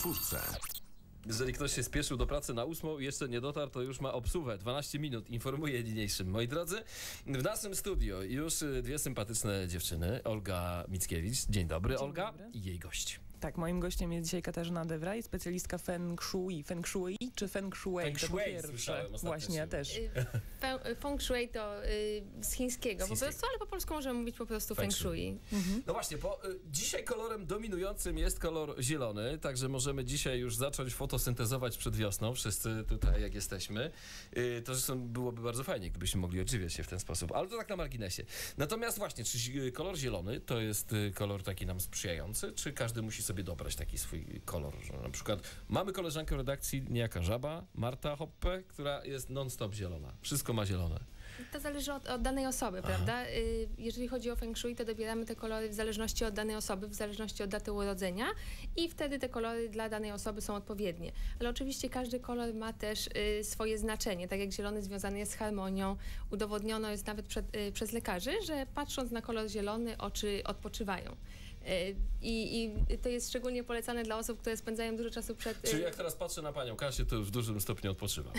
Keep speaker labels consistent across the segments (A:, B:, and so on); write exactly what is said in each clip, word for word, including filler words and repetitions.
A: czwórce.
B: Jeżeli ktoś się spieszył do pracy na ósmą i jeszcze nie dotarł, to już ma obsługę. dwanaście minut, informuję niniejszym. Moi drodzy, w naszym studio już dwie sympatyczne dziewczyny. Olga Mickiewicz. Dzień dobry, Dzień Olga. Dobry. I jej gość.
C: Tak, moim gościem jest dzisiaj Katarzyna De Vrij, specjalistka Feng Shui. Feng Shui czy Feng Shui?
B: Feng Shui
C: słyszałem Właśnie, ja też.
D: Feng Shui to y, z chińskiego po prostu, ale po polsku możemy mówić po prostu Feng Shui.
B: Mhm. No właśnie, bo y, dzisiaj kolorem dominującym jest kolor zielony, także możemy dzisiaj już zacząć fotosyntezować przed wiosną, wszyscy tutaj jak jesteśmy. Y, to zresztą byłoby bardzo fajnie, gdybyśmy mogli odżywiać się w ten sposób, ale to tak na marginesie. Natomiast właśnie, czy kolor zielony to jest y, kolor taki nam sprzyjający, czy każdy musi sobie dobrać taki swój kolor, że na przykład mamy koleżankę w redakcji, niejaka żaba, Marta Hoppe, która jest non-stop zielona. Wszystko ma zielone.
D: To zależy od, od danej osoby, Aha. prawda? Jeżeli chodzi o Feng Shui, to dobieramy te kolory w zależności od danej osoby, w zależności od daty urodzenia i wtedy te kolory dla danej osoby są odpowiednie. Ale oczywiście każdy kolor ma też y, swoje znaczenie. Tak jak zielony związany jest z harmonią, udowodniono jest nawet przed, y, przez lekarzy, że patrząc na kolor zielony, oczy odpoczywają. I, I to jest szczególnie polecane dla osób, które spędzają dużo czasu przed...
B: Czyli jak teraz patrzę na panią Kasię, to już w dużym stopniu odpoczywa.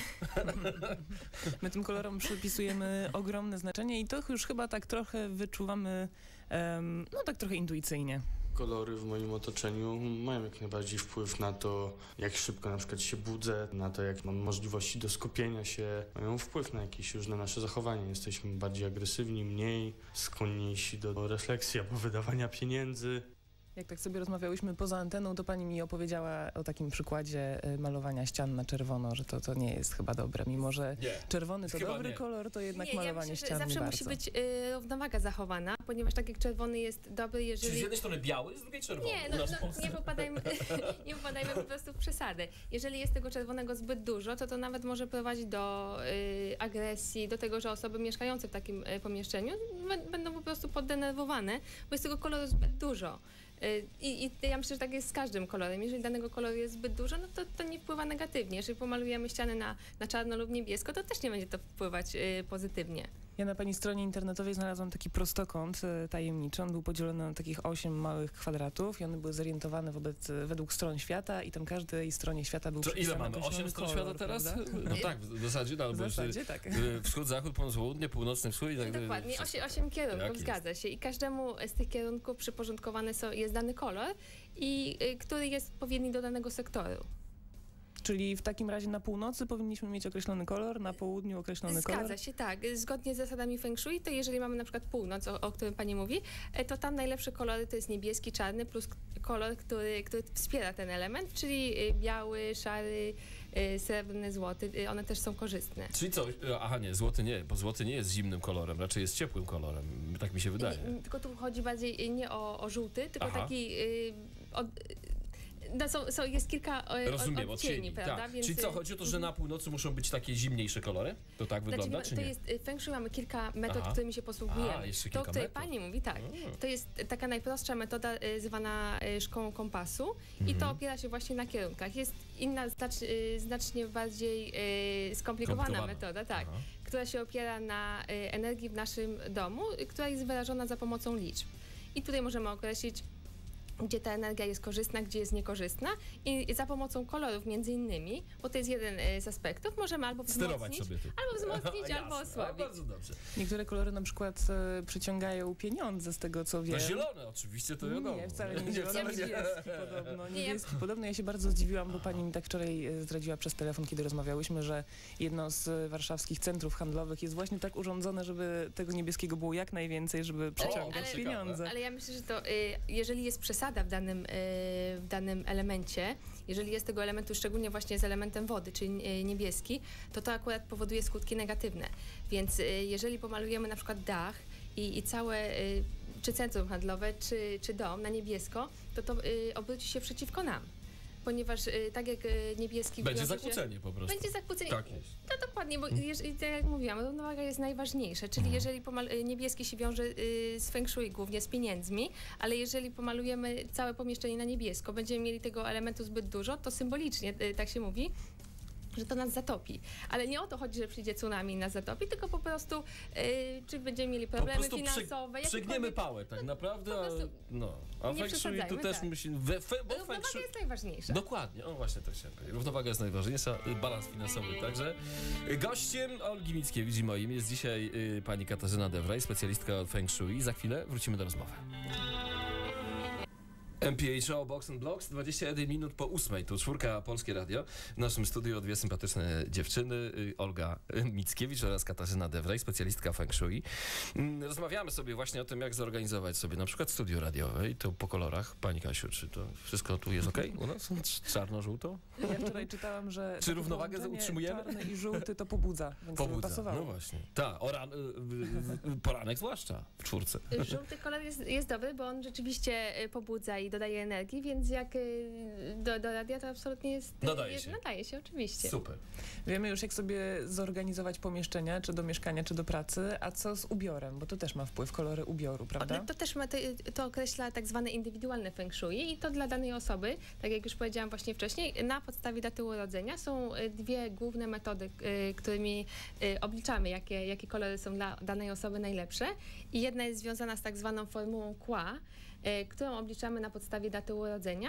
C: My tym kolorom przypisujemy ogromne znaczenie i to już chyba tak trochę wyczuwamy, um, no tak trochę intuicyjnie.
E: Kolory w moim otoczeniu mają jak najbardziej wpływ na to, jak szybko na przykład się budzę, na to, jak mam możliwości do skupienia się. Mają wpływ na jakieś różne nasze zachowania. Jesteśmy bardziej agresywni, mniej skłonniejsi do refleksji albo wydawania pieniędzy.
C: Jak tak sobie rozmawiałyśmy poza anteną, to pani mi opowiedziała o takim przykładzie malowania ścian na czerwono, że to, to nie jest chyba dobre. Mimo że nie, czerwony to dobry nie. kolor, to jednak nie, malowanie ja myślę, ścian
D: zawsze
C: nie
D: musi być y, równowaga zachowana, ponieważ tak jak czerwony jest dobry, jeżeli...
B: Czyli z jednej strony biały, z drugiej czerwony.
D: Nie, no, no, nie, popadajmy, nie popadajmy po prostu w przesady. Jeżeli jest tego czerwonego zbyt dużo, to to nawet może prowadzić do y, agresji, do tego, że osoby mieszkające w takim y, pomieszczeniu będą po prostu poddenerwowane, bo jest tego koloru zbyt dużo. I, I ja myślę, że tak jest z każdym kolorem. Jeżeli danego koloru jest zbyt dużo, no to, to nie wpływa negatywnie. Jeżeli pomalujemy ściany na, na czarno lub niebiesko, to też nie będzie to wpływać y, pozytywnie.
C: Ja na pani stronie internetowej znalazłam taki prostokąt y, tajemniczy. On był podzielony na takich osiem małych kwadratów i one były zorientowane wobec, według stron świata i tam każdej stronie świata był przypisany
B: ile mamy? osiem stron świata teraz?
C: Prawda?
B: No tak, w zasadzie, no,
C: w zasadzie tak.
B: Wschód, zachód, północ, południe, północny wschód i tak dalej.
D: Dokładnie, osiem, osiem kierunków, zgadza się. I każdemu z tych kierunków przyporządkowany są, jest dany kolor, i y, który jest odpowiedni do danego sektoru.
C: Czyli w takim razie na północy powinniśmy mieć określony kolor, na południu określony
D: Zgadza
C: kolor?
D: Zgadza się, tak. Zgodnie z zasadami Feng Shui, to jeżeli mamy na przykład północ, o, o którym pani mówi, to tam najlepsze kolory to jest niebieski, czarny, plus kolor, który, który wspiera ten element, czyli biały, szary, srebrny, złoty. One też są korzystne.
B: Czyli co? Aha, nie, złoty nie, bo złoty nie jest zimnym kolorem, raczej jest ciepłym kolorem. Tak mi się wydaje.
D: Nie, tylko tu chodzi bardziej nie o, o żółty, tylko Aha. taki... Y, od, No, są, są, jest kilka o,
B: Rozumiem,
D: odcieni,
B: odcieni,
D: prawda?
B: Tak.
D: Więc...
B: Czyli co, chodzi o to, że na północy muszą być takie zimniejsze kolory? To tak wygląda,
D: znaczy,
B: czy
D: to
B: nie?
D: Jest, Feng Shui mamy kilka metod,
B: Aha.
D: którymi się posługujemy.
B: A, jeszcze kilka
D: to, o której
B: metod.
D: pani mówi, tak. A. To jest taka najprostsza metoda y, zwana y, szkołą kompasu mhm. i to opiera się właśnie na kierunkach. Jest inna, znacz, y, znacznie bardziej y, skomplikowana metoda, tak, Aha. która się opiera na y, energii w naszym domu, y, która jest wyrażona za pomocą liczb. I tutaj możemy określić, gdzie ta energia jest korzystna, gdzie jest niekorzystna i za pomocą kolorów między innymi, bo to jest jeden z aspektów, możemy albo wzmocnić,
B: sobie tu.
D: albo wzmocnić, albo osłabić.
B: Bardzo dobrze.
C: Niektóre kolory na przykład e, przyciągają pieniądze, z tego co wiem.
B: No zielone oczywiście, to wiadomo.
C: Nie, wcale nie zielone, niebieski podobno.
D: Nie,
C: Niebieski podobno. Ja się bardzo zdziwiłam, bo pani mi tak wczoraj zdradziła przez telefon, kiedy rozmawiałyśmy, że jedno z warszawskich centrów handlowych jest właśnie tak urządzone, żeby tego niebieskiego było jak najwięcej, żeby przyciągać
D: ale,
C: pieniądze.
D: Ale ja myślę, że to y, jeżeli jest przesada w danym, y, w danym elemencie, jeżeli jest tego elementu, szczególnie właśnie z elementem wody, czyli y, niebieski, to to akurat powoduje skutki negatywne. Więc y, jeżeli pomalujemy na przykład dach i, i całe, y, czy centrum handlowe, czy, czy dom na niebiesko, to to y, obróci się przeciwko nam. Ponieważ y, tak jak y, niebieski...
B: Będzie zakłócenie po prostu.
D: Będzie zakłócenie.
B: Tak jest.
D: No dokładnie, bo jeżeli, tak jak mówiłam, równowaga jest najważniejsza, czyli mhm. jeżeli pomal- niebieski się wiąże y, z Feng Shui, głównie z pieniędzmi, ale jeżeli pomalujemy całe pomieszczenie na niebiesko, będziemy mieli tego elementu zbyt dużo, to symbolicznie, y, tak się mówi, że to nas zatopi. Ale nie o to chodzi, że przyjdzie tsunami i nas zatopi, tylko po prostu yy, czy będziemy mieli problemy
B: po
D: finansowe.
B: Przy, przygniemy pałę tak naprawdę, a, no. a
D: nie
B: feng shui tu też
D: tak.
B: musi... We, fe, bo
D: Równowaga
B: feng shui,
D: jest najważniejsza.
B: dokładnie, o właśnie to chciałem powiedzieć. Równowaga jest najważniejsza, balans finansowy także. Gościem Olgi Mickiewicz i moim jest dzisiaj y, pani Katarzyna Dewraj, specjalistka od feng shui. Za chwilę wrócimy do rozmowy. M P H O Box and Blocks, dwadzieścia jeden minut po ósmej, tu czwórka Polskie Radio. W naszym studiu dwie sympatyczne dziewczyny, y, Olga Mickiewicz oraz Katarzyna Dewraj, specjalistka feng shui. Mm, Rozmawiamy sobie właśnie o tym, jak zorganizować sobie na przykład studio radiowe i to po kolorach. Pani Kasiu, czy to wszystko tu jest okej u nas? Czarno-żółto?
C: Ja wczoraj czytałam, że
B: Czy równowagę
C: połączenie
B: utrzymujemy?
C: czarny i żółty to pobudza, więc to by
B: Pobudza,
C: pasowało.
B: no właśnie. Tak, oran- y, y, poranek zwłaszcza w czwórce.
D: Żółty kolor jest, jest dobry, bo on rzeczywiście y, pobudza i dodaje energii, więc jak y, do, do radia to absolutnie jest... y,
B: Nadaje
D: jest,
B: się.
D: Nadaje się, oczywiście.
B: Super.
C: Wiemy już, jak sobie zorganizować pomieszczenia, czy do mieszkania, czy do pracy, a co z ubiorem, bo to też ma wpływ, kolory ubioru, prawda?
D: To, to też ma, to, to określa tak zwane indywidualne feng shui i to dla danej osoby, tak jak już powiedziałam właśnie wcześniej, na podstawie daty urodzenia są y, dwie główne metody, y, którymi y, obliczamy, jakie, jakie kolory są dla danej osoby najlepsze i jedna jest związana z tak zwaną formułą Qua, y, którą obliczamy na podstawie daty urodzenia.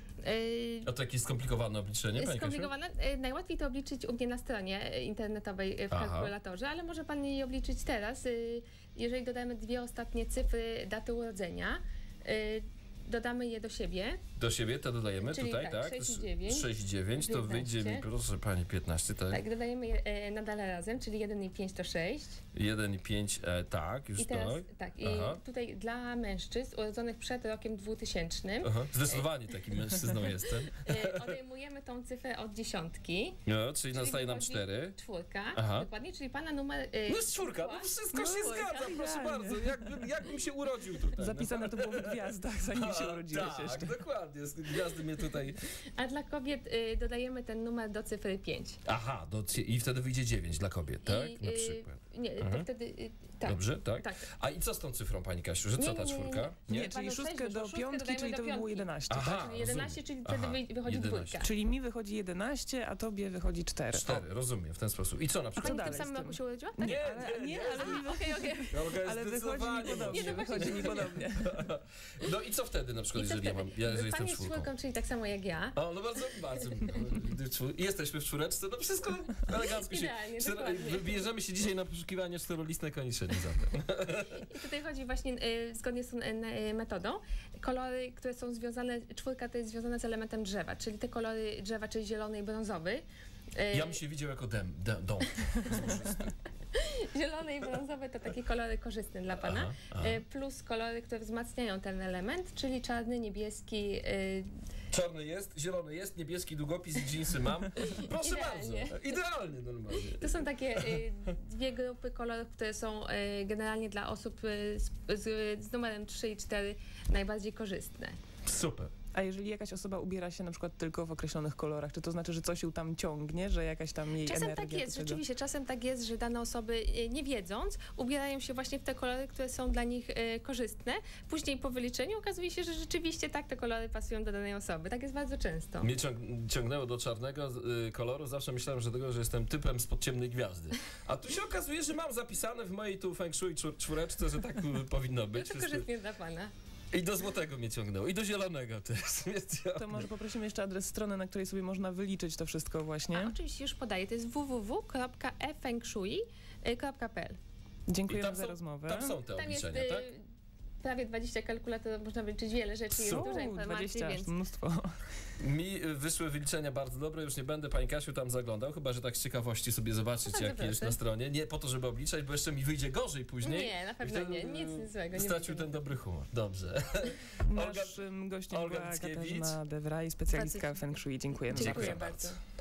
D: Y,
B: A to jakieś skomplikowane obliczenie, pani Kasiu?
D: Skomplikowane. Y, Najłatwiej to obliczyć u mnie na stronie internetowej y, w
B: Aha.
D: kalkulatorze, ale może pan jej obliczyć teraz, y, jeżeli dodamy dwie ostatnie cyfry daty urodzenia. y, Dodamy je do siebie.
B: Do siebie to dodajemy
D: Czyli
B: tutaj,
D: tak,
B: tak?
D: sześć i dziewięć.
B: sześć i dziewięć, to
D: piętnaście.
B: wyjdzie mi, proszę pani, piętnaście, tak?
D: Tak, dodajemy je e, nadal razem, czyli jeden i pięć to sześć.
B: jeden i pięć, e, tak, już
D: I teraz
B: tak.
D: tak, i
B: Aha.
D: tutaj dla mężczyzn urodzonych przed rokiem dwutysięcznym
B: Aha. Zdecydowanie takim mężczyzną jestem.
D: e, odejmujemy tą cyfrę od dziesiątki.
B: No, czyli nastaje nam
D: wychodzi
B: cztery.
D: Czwórka,
B: Aha.
D: dokładnie, czyli pana numer... e,
B: No jest czwórka, no wszystko
C: No,
B: się
C: czwórka,
B: zgadza, proszę
C: idealnie.
B: bardzo. Jakbym, jakbym się urodził tutaj.
C: Zapisane to było w gwiazdach, zanim się
B: A,
C: urodziłeś
B: tak,
C: jeszcze.
B: dokładnie. Gwiazdy mnie tutaj...
D: A dla kobiet y, dodajemy ten numer do cyfry pięć.
B: Aha, do, i wtedy wyjdzie dziewięć dla kobiet, tak?
D: I,
B: Na
D: y,
B: przykład.
D: Nie, to
B: Mhm.
D: wtedy... y, tak.
B: Dobrze, tak?
D: Tak.
B: A i co z tą cyfrą, pani Kasiu, że co
D: Nie,
B: ta
D: nie, nie,
B: czwórka?
C: Nie,
D: Dwa
C: czyli
D: do
C: szóstkę
D: sześć,
C: do
D: szóstkę
C: piątki,
D: dodajemy
C: czyli
D: do
C: to by było
D: piątki.
C: jedenaście,
B: Aha.
C: tak?
D: Czyli jedenaście, czyli wtedy
B: Aha,
D: wy- wychodzi
B: jedenaście.
D: dwójka.
C: Czyli mi wychodzi jedenaście, a tobie wychodzi cztery.
B: Cztery, rozumiem, w ten sposób. I co na
D: A
B: przykład?
D: pani w
C: dalej
D: tym
C: z
D: samym
C: tym?
D: roku się urodziła?
C: Nie,
B: Nie,
C: ale,
B: nie,
C: nie,
B: nie.
C: ale mi
D: Okej, okej.
B: Olga jest
C: Ale wychodzi mi
B: zdecydowanie
C: podobnie,
D: Nie, no właśnie.
C: wychodzi mi podobnie.
B: No i co wtedy na przykład,
D: I co
B: jeżeli ja
D: wtedy?
B: mam, ja, jeżeli
D: Pan
B: jestem
D: jest
B: czwórką?
D: czwórką, czyli tak samo jak ja.
B: O, no bardzo, bardzo. No, czwór- jesteśmy w czwóreczce, no wszystko elegancko się...
D: Idealnie,
B: cztero-
D: dokładnie.
B: Wybierzemy się dzisiaj na poszukiwanie czterolistnej koniczyny zatem.
D: I tutaj chodzi właśnie y, zgodnie z tą y, metodą. Kolory, które są związane, czwórka to jest związana z elementem drzewa, czyli te kolory drzewa, czyli zielony i brązowy. Y,
B: Ja bym się widział jako dem, dem, dom.
D: Zielony i brązowy to takie kolory korzystne dla pana.
B: Aha, aha.
D: Y, plus kolory, które wzmacniają ten element, czyli czarny, niebieski. Y,
B: Czarny jest, zielony jest, niebieski długopis i dżinsy mam. Proszę
D: Idealnie.
B: bardzo. Idealnie normalnie.
D: To są takie y, dwie grupy kolorów, które są y, generalnie dla osób y, z, z, z numerem trzy i cztery najbardziej korzystne.
B: Super.
C: A jeżeli jakaś osoba ubiera się na przykład tylko w określonych kolorach, czy to znaczy, że coś ją tam ciągnie, że jakaś tam jej
D: Czasem
C: energia...
D: tak jest,
C: do tego-
D: rzeczywiście, czasem tak jest, że dane osoby y, nie wiedząc ubierają się właśnie w te kolory, które są dla nich y, korzystne. Później po wyliczeniu okazuje się, że rzeczywiście tak te kolory pasują do danej osoby. Tak jest bardzo często.
B: Mnie ciąg- ciągnęło do czarnego y, koloru, zawsze myślałem, że tego, że jestem typem spod ciemnej gwiazdy. A tu się okazuje, że mam zapisane w mojej tu feng shui czwór- czwóreczce, że tak y, powinno
D: No
B: być.
D: to korzystnie dla pana.
B: I do złotego mnie ciągnęło, i do zielonego też. Więc ja...
C: To może poprosimy jeszcze adres strony, na której sobie można wyliczyć to wszystko właśnie.
D: A oczywiście już podaję, to jest w w w kropka e feng shui kropka p l.
B: I
C: Dziękujemy
B: tam
C: za
B: są,
C: rozmowę.
B: tam są te
D: Tam jest
B: obliczenia,
D: y,
B: tak?
D: prawie dwadzieścia kalkulatorów, można wyliczyć wiele rzeczy, jest
B: Su.
D: dużo informacji,
C: dwadzieścia,
D: więc...
C: mnóstwo.
B: Mi y, wyszły wyliczenia bardzo dobre, już nie będę, pani Kasiu, tam zaglądał, chyba że tak z ciekawości sobie zobaczyć,
D: No tak,
B: jak jest
D: proszę.
B: na stronie. Nie po to, żeby obliczać, bo jeszcze mi wyjdzie gorzej później.
D: Nie, na
B: I
D: pewno
B: wtedy,
D: nie,
B: y,
D: nic złego. Nie
B: Stracił
D: będzie.
B: ten dobry humor. Dobrze. Olga-
C: Naszym gościem
B: Olga
C: była
B: Mickiewicz.
C: Katarzyna Dewraj, specjalistka
D: Bardzo
C: feng shui. Dziękujemy
D: Dziękuję
C: bardzo.
D: bardzo.